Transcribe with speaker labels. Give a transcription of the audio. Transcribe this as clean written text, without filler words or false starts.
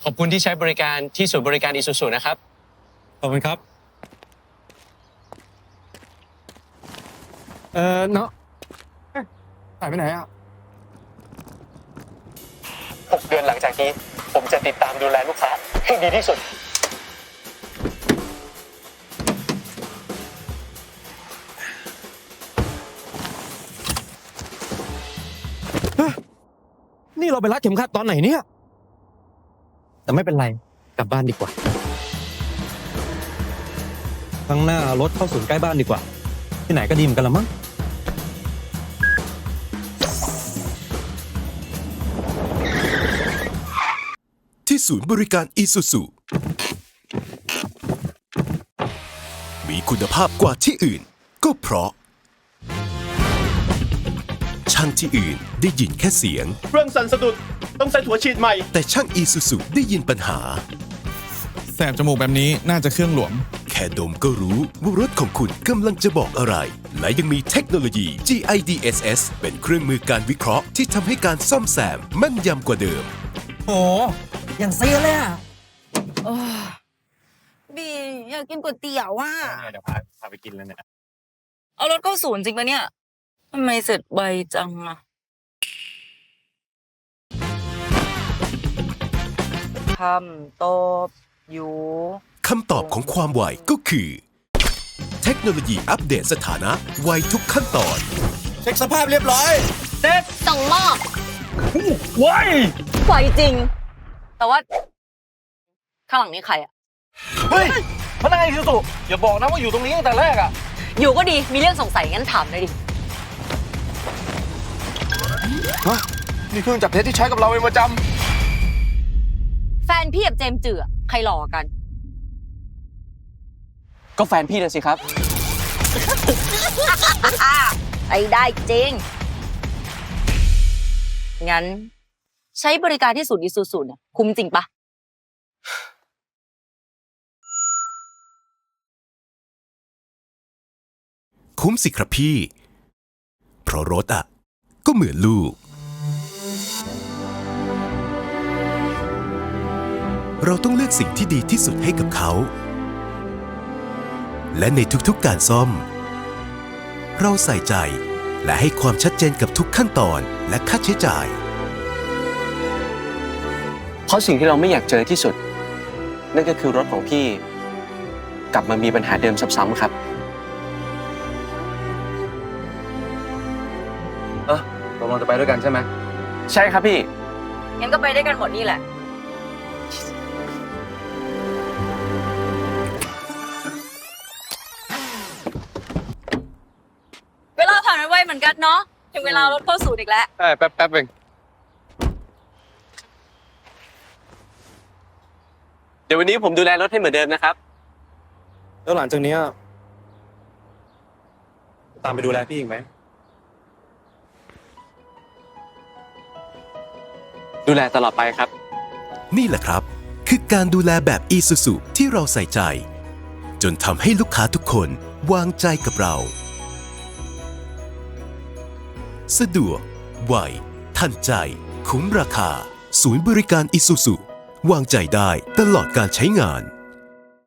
Speaker 1: ขอบคุณที่ใช้บริการที่ศูนย์บริการอิซูซูนะครับ
Speaker 2: ขอบคุณครับเนาะหายไปไหนอ่ะ
Speaker 1: 6 เดือนหลังจากนี้ผมจะติดตามดูแลลูกค้าให้ดีที่สุด
Speaker 2: นี่เราไปรัดเข็มขัดตอนไหนเนี่ยแต่ไม่เป็นไรกลับบ้านดีกว่าข้างหน้ารถเข้าศูนย์ใกล้บ้านดีกว่าที่ไหนก็ดีเหมือนกันละมั้ง
Speaker 3: ที่ศูนย์บริการอิซูซูมีคุณภาพกว่าที่อื่นก็เพราะช่างที่อื่นได้ยินแค่เสียง
Speaker 4: เครื่องสั่นสะดุดต้องใส่หัวฉีดใหม่
Speaker 3: แต่ช่างอิซูซูได้ยินปัญหา
Speaker 5: แสบจมูกแบบนี้น่าจะเครื่องหลวม
Speaker 3: แค่ดมก็รู้ว่ารถของคุณกำลังจะบอกอะไร และยังมีเทคโนโลยี GIDSS เป็นเครื่องมือการวิเคราะห์ที่ทำให้การซ่อมแซมแม่นยำกว่าเดิม
Speaker 2: โอ้อย่างเซียเลยอ่ะ
Speaker 6: บีอยากกินก๋วยเตี๋ยวว่ะ
Speaker 1: เดี๋ยวพาไปกินแล้วเนี่ย
Speaker 6: เอารถเข้าศูนย์จริงปะเนี่ยทำไมเสร็จไวจังอะคำตอบอยู่
Speaker 3: คำตอบของความไวก็คือ เทคโนโลยีอัปเดตสถานะไวทุกขั้นตอน
Speaker 4: เช็คสภาพเรียบร้อย
Speaker 6: ส่งมอบ
Speaker 4: ไว
Speaker 6: ไวจริง แต่ว่า ข้างหลังนี้ใครอะ
Speaker 4: เฮ้ยพนักงานอิซูซูอย่าบอกนะว่าอยู่ตรงนี้ตั้งแต่แรกอะ
Speaker 6: อยู่ก็ดีมีเรื่องสงสัยงั้นถามเลยดิ
Speaker 4: นี่เครื่องจับเท็จที่ใช้กับเราเป็นประจ
Speaker 6: แฟนพี่กับเจมส์จือใครหล่อกัน
Speaker 1: ก็แฟนพี่เลยสิครับ
Speaker 6: ไอ้ได้จริง งั้น ใช้บริการที่ศูนย์อิซูซูเนี่ยคุ้มจริงปะ
Speaker 3: คุ้มสิครับพี่ เพราะรถอ่ะ ก็เหมือนลูก เราต้องเลือกสิ่งที่ดีที่สุดให้กับเขา และในทุกๆการซ่อม เราใส่ใจและให้ความชัดเจนกับทุกขั้นตอนและค่าใช้จ่าย
Speaker 1: เพราะสิ่งที่เราไม่อยากเจอที่สุด นั่นก็คือรถของพี่ กลับมามีปัญหาเดิมซ้ำๆครับ
Speaker 4: ำตกลงจะไปด้วยกันใช่ไหม
Speaker 1: ใช่ครับพี่
Speaker 6: งั้นก็ไปได้กันหมดนี่แหละ เวลาผ่านไปไวเหมือนกันเนาะ ถึงเวลารถเข้าศูนย์อีกแล้ว
Speaker 4: ใช่แป๊บเอง
Speaker 1: เดี๋ยววันนี้ผมดูแลรถให้เหมือนเดิมนะครับ
Speaker 2: แล้วหลังจากนี้ตามไปดูแลพี่อีกไหม
Speaker 1: ดูแลตลอดไปครับ
Speaker 3: นี่แหละครับ คือการดูแลแบบอีซูซูที่เราใส่ใจ จนทำให้ลูกค้าทุกคนวางใจกับเรา สะดวก ไว ทันใจ คุ้มราคา ศูนย์บริการอิซูซูวางใจได้ตลอดการใช้งาน